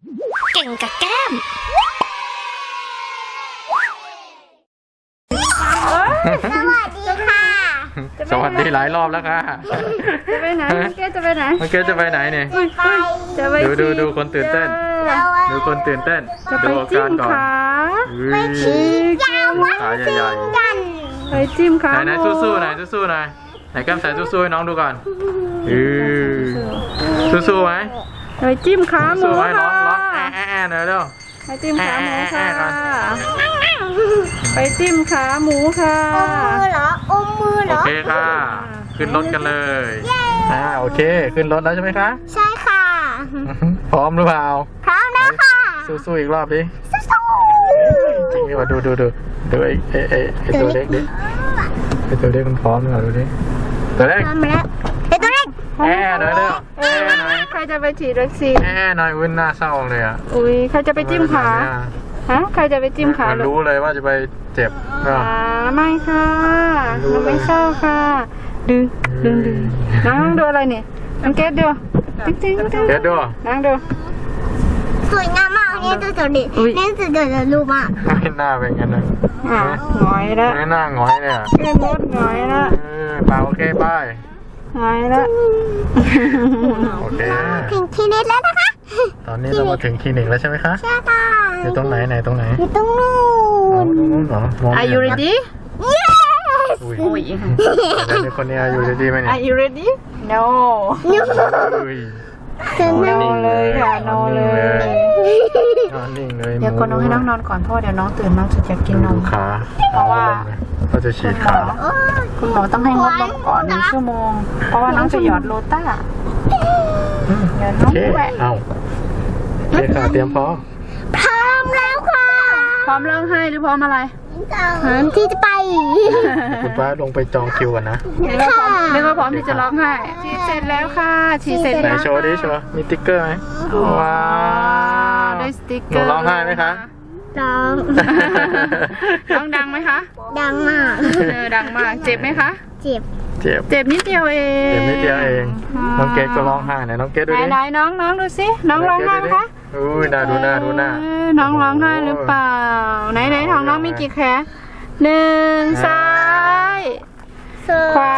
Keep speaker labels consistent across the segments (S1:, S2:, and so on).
S1: เก่งกับแก้ม
S2: สวัสดีค่ะ
S3: สวัสดีหลายรอบแล้วค่ะ
S4: จะไปไหนน้องเกดจะไปไหน
S3: น้องเกดจะไปไหนเนี่ย
S4: จะไป
S3: ดูคนตื่นเต้น ดูคนตื่นเต้น
S4: จะไป
S3: ดูอา
S4: จิ้
S3: การ
S4: ม
S3: ก่อน
S4: ขา
S3: ไปชี้
S2: ยาวมาก
S3: ขาใหญ่
S2: กัน
S4: ไปจิ้มขา
S3: ๆไหนสู้ๆหน่อยสู้ๆหน่อยไหนแก้มใส่สู้ๆให้น้องดูก่อนสู้ๆไหม
S4: ไปจิ้มขาหมู
S3: สู้ๆไหมร้
S4: ค่ะ
S3: องแอะหน่อยเร็ว
S4: ไปจิ้มขาหมูค่ะ
S3: แอะๆ
S4: ไปจิ้มขาหมูค่ะ
S2: อมมือเหรออมมือเหร
S3: โอ
S2: อ
S3: เคค่ะ ขึ้นรถกันเลยโอเค ขึ้นรถแล้วใช่ไหมคะ
S2: ใช่ค่ะ
S3: พร้อมหรือเปล่า
S2: พร้อมแล้วค่ะ
S3: สู้ๆอีกรอบดิ
S2: สู้
S3: จริงดิว่าดูไอตัวเล็กดิไอตัวเล็กมันพร้อมหรือเปล่าดูดิตัวเล็ก
S2: ๆพร้อมแล้วเดี๋ยวตัวเล็ก
S3: หน่อยเร็วหน่อย
S4: ใครจะไปฉีดวัคซีน
S3: หน่อยวุ่นหน้าเศร้าเลยอ่ะ
S4: อุ้ยใครจะไปจิ้มขาฮะใครจะไปจิ้มขา
S3: มันรู้เลยว่าจะไปเจ็บก็
S4: ไม่ค่ะเราไม่เศร้าค่ะดึงน้องดูอะไรเนี่ยน้องเกดดูติ๊งติ๊งติ๊ง
S3: เดี๋ยวดู
S4: น้องดู
S2: สวยงามมากเนี่ยตัวเด็ก
S4: อุ๊ย
S2: เนี่ยตัวเด็กรูปมาก
S3: ไม่หน้าเป็นงั้นเลย
S4: หงอยแล้ว
S3: ไม่หน้าหงอยเลยอ่ะ
S4: เล่นมดหงอยแล้ว
S3: เปล่าโอเคไป
S4: หงอยแล้ว
S3: โอเค
S2: ถึงทีนิดแล้วนะคะ
S3: ตอนนี้เรามาถึงคลินิกแล้วใช่ไหมคะ
S2: ใช่ค่ะ
S3: อยู่ตรงไหนตรงไหน
S2: อยู่ตรงนู้
S3: ตรง
S2: น
S3: นู้นเหรอมองไม่
S4: Are
S3: เห็
S4: you
S3: นนะ
S4: ready
S3: อุ้ย
S4: อุ้ย
S3: เดี๋ยวคนนี้อยู่ดีๆไหมเนี่ย
S4: Are you ready No
S3: อุ้ย
S4: No เลยค่ะ No เลย
S3: นอนนิ่งเลย
S4: เดี๋ยวคนน้องให้น้องนอนก่อนเพราะว่าเดี๋ยวน้องตื่นน้องจะอยากกินน
S3: ดู
S4: ม
S3: ขา
S4: เพราะว่า
S3: ก็จะฉีดขา
S4: คุณหมอต้องให้งดนมก่อน1 ชั่วโมง เพราะว่าน้องจะหยอดโลต้าเดี๋ยวน้
S3: โอ
S4: อง
S3: เค
S4: แหวะ
S3: เอาโอเคค่ะเตรียมพร้อม
S2: พร้อมแล้วค่ะ
S4: พร้อมร้องไห้หรือพร้อมอะไร
S2: พร้อมที่จะไป
S3: คุณป้าลงไปจองคิวกันนะ
S4: นึกว่าพร้อมที่จะร้องไห้ฉีดเสร็จแล้วค่ะฉีดเสร็จ
S3: ไหน
S4: แล้ว
S3: โชว์ดิโชว์มีติ๊กเกอร์ไหมว้าว
S4: ได้สติ๊ก
S3: ห
S4: เก
S3: นู
S4: อร์
S3: ร้องไห้ไหมคะ
S2: ร้อง
S4: ร้องดังไหมคะ
S2: ดังมาก
S4: ดังมากเจ็บไหมคะ
S2: เจ็บ
S3: เจ็บ
S4: เจ็บนิดเดียวเอง
S3: เจ็บนิดเดียวเอง น้องเกดก็ร้องไห้ไหนน้องเกดดูดิ
S4: ไหนน้องดูสิน้องร้องไห้ไหมคะ
S3: อุ้ยน่าดูหน้า
S4: น้องร้องไห้หรือเปล่าไหนท้องน้องมีกี่แขน1ซ้ายขวา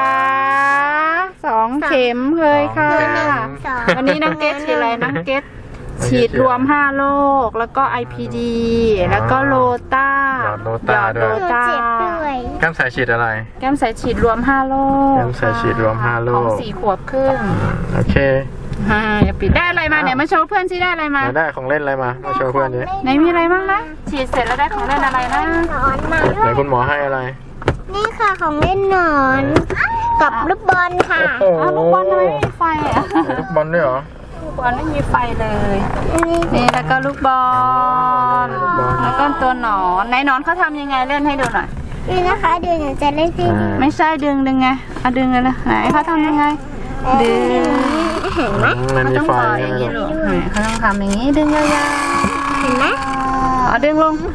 S4: 2 เข็มเลยค่ะ วันนี้น้องเกดฉีดอะไรน้องเกดฉีดรวม5 โรคแล้วก็ IPD แล้วก็โลต้า
S3: หยอดโลต้าด้วย
S4: โลต้า
S2: เจ็บด้วย
S3: แก้มสายฉีดอะไร
S4: แก้มใส่ฉีดรวม5 โรค
S3: แก้มใส่ฉีดรวม5 โร
S4: ของ
S3: ค
S4: 4 ขวบครึ่ง
S3: โอเค
S4: อย่าปิดได้อะไรมาเนี่ยมาโชว์เพื่อนสิได้อะไรมา
S3: ได้ของเล่นอะไรมาโชว์เพื่อนดิ
S4: ไหนมีอะไรบ้างนะฉีดเสร็จแล้วได้ของเล่นอะไรนะ
S2: นอนมา
S3: ไหนคุณหมอให้อะไร
S2: นี่ค่ะของเล่นนอน กับลูกบอลค่ะ
S3: โอ้โห
S4: ลูกบอลทำไมไม่มีไฟอ่ะ
S3: ลูกบอลด้วยเหรอ
S4: ลูกบอลไม่มีไฟเลย
S2: นี่
S4: นี่แล้วก็ลูกบอล
S3: ลูกบอล
S4: แล้วก็ตัวหนอนไหนหนอนเขาทำยังไงเล่นให้ดูหน่อย
S2: นี่นะคะเดี๋ยวหนูจะเล่นให้ดู
S4: ไม่ใช่ดึงไงเอาดึงเลยนะไหนเขาทำยังไงดึง
S2: เห็นไหม
S3: มัน
S4: เขา
S3: มี
S4: ต้อง
S3: ไฟ
S4: ต่ออย่างนี้ลูกไหนเขาต้องทำอย่างนี้ดึงยาว
S2: เห็นไหม
S4: ๆเอาดึงลง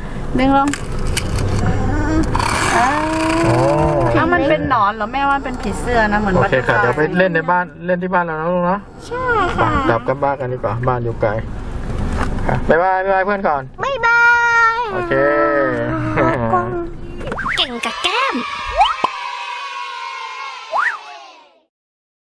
S3: โอ้
S4: ถ้ามันเป็นหนอนเหรอแม่ว่าเป็นผีเสื้อนะเหมือน
S3: โอ
S4: บัต
S3: เค
S4: เตอร์ฟลาย
S3: ค่ะเดี๋ยวไปเล่นในบ้านเล่นที่บ้านเรานะลูกเนาะ
S2: ใช่ค่ะ
S3: กลับกันบ้านกันดีกว่าบ้านอยู่ไกลค่ะบ๊ายบายเพื่อนก่อน
S2: บ๊ายบาย
S3: โอเค